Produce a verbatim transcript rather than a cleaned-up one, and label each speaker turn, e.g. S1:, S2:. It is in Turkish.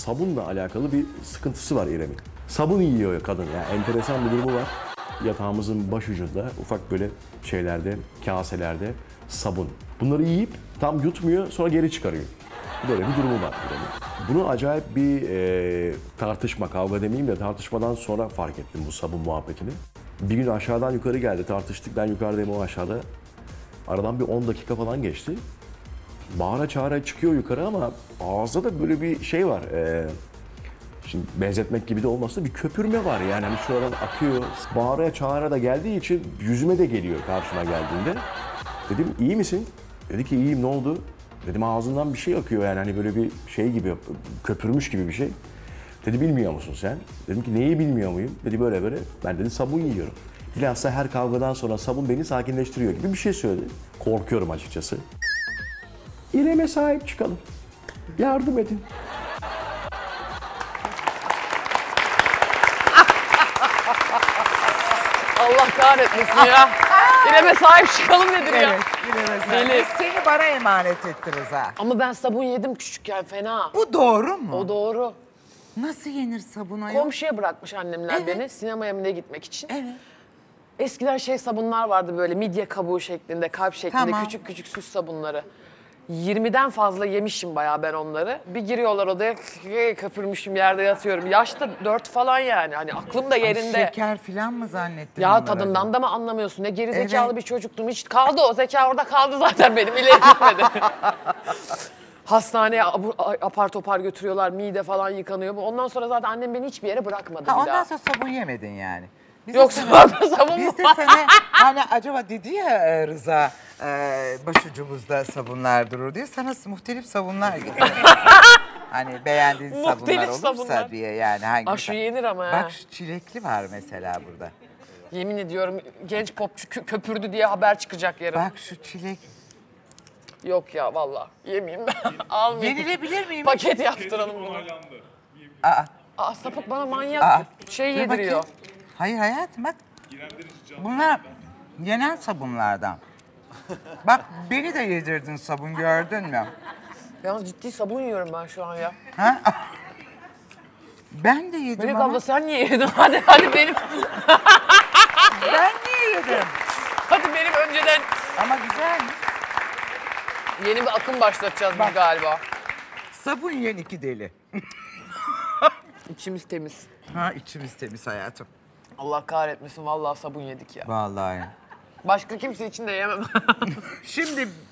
S1: sabunla alakalı bir sıkıntısı var İrem'in. Sabun yiyor kadın. Yani enteresan bir durumu var. Yatağımızın başucunda ufak böyle şeylerde, kaselerde sabun. Bunları yiyip tam yutmuyor, sonra geri çıkarıyor. Böyle bir durumu var İrem'in. Bunu acayip bir e, tartışma, kavga demeyeyim de tartışmadan sonra fark ettim bu sabun muhabbetini. Bir gün aşağıdan yukarı geldi, tartıştık. Ben yukarıdayım, o aşağıda. Aradan bir on dakika falan geçti. Bağıra çağıra çıkıyor yukarı ama ağızda da böyle bir şey var. Ee, şimdi benzetmek gibi de olmasa da bir köpürme var yani. Hani şuradan akıyor. Bağıra çağıra da geldiği için yüzüme de geliyor karşıma geldiğinde. Dedim iyi misin? Dedi ki iyiyim, ne oldu? Dedim ağzından bir şey akıyor yani hani böyle bir şey gibi, köpürmüş gibi bir şey. Dedi bilmiyor musun sen? Dedim ki neyi bilmiyor muyum? Dedi böyle böyle. Ben dedi sabun yiyorum. Bilhassa her kavgadan sonra sabun beni sakinleştiriyor gibi bir şey söyledi. Korkuyorum açıkçası. İrem'e sahip çıkalım. Yardım edin.
S2: Allah kahretmesin ya. İrem'e sahip çıkalım nedir ya?
S3: Evet, İrem'e sahip.
S2: Deli.
S3: Biz seni bana emanet etti Rıza.
S2: Ama ben sabun yedim küçükken fena.
S3: Bu doğru mu?
S2: O doğru.
S3: Nasıl yenir sabuna ya?
S2: Komşuya bırakmış annemler
S3: Evet.
S2: beni sinemaya mı ne gitmek için.
S3: Evet.
S2: Eskiden şey sabunlar vardı böyle midye kabuğu şeklinde, kalp şeklinde
S3: Tamam.
S2: küçük küçük süs sabunları. yirmiden fazla yemişim bayağı ben onları. Bir giriyorlar odaya köpürmüşüm yerde yatıyorum. Yaşta dört falan yani hani aklım da yerinde.
S3: Ay, şeker falan mı zannettin?
S2: Ya
S3: onlara?
S2: tadından da mı anlamıyorsun? Ne gerizekalı
S3: Evet.
S2: bir çocuktum. Hiç kaldı o zeka orada kaldı zaten benim. İleri gitmedi. Hastaneye apar topar götürüyorlar. Mide falan yıkanıyor. Ondan sonra zaten annem beni hiçbir yere bırakmadı
S3: Ha,
S2: bir
S3: ondan
S2: daha.
S3: sonra sabun yemedin yani. Biz de
S2: Yoksa
S3: sana-
S2: orada sabun mu
S3: Biz de
S2: var?
S3: sana hani acaba dedi ya e, Rıza e, başucumuzda sabunlar durur diye sana muhtelif sabunlar getirdim. Hani beğendiğin sabunlar
S2: Muhtelif
S3: olursa
S2: sabunlar.
S3: diye yani hangi?
S2: Aa, şu yenir ama ha.
S3: Bak şu çilekli var mesela burada.
S2: Yemin ediyorum genç popçu kö- köpürdü diye haber çıkacak yarın.
S3: Bak şu çilek.
S2: Yok ya vallahi yemeyeyim ben. Almayayım.
S3: Yenilebilir miyim?
S2: Paket yaptıralım bunu.
S3: Aa,
S2: Aa sapık bana manyak
S3: aa.
S2: şey
S3: Dur
S2: yediriyor.
S3: bakayım. Hayır hayatım bak. Bunlar yenen sabunlardan. Bak beni de yedirdin sabun gördün mü?
S2: Yalnız ciddi sabun yiyorum ben şu an ya.
S3: Ha? Ben de yedim
S2: Melek
S3: ama.
S2: abla sen niye yedin? Hadi hadi benim.
S3: Ben niye yedim?
S2: Hadi benim önceden
S3: Ama güzel mi?
S2: yeni bir akım başlatacağız biz galiba.
S3: Sabun yiyen iki deli.
S2: İçimiz temiz.
S3: Ha içimiz temiz hayatım.
S2: Allah kahretmesin vallahi sabun yedik ya.
S3: Vallahi.
S2: Başka kimse için de yemem.
S3: Şimdi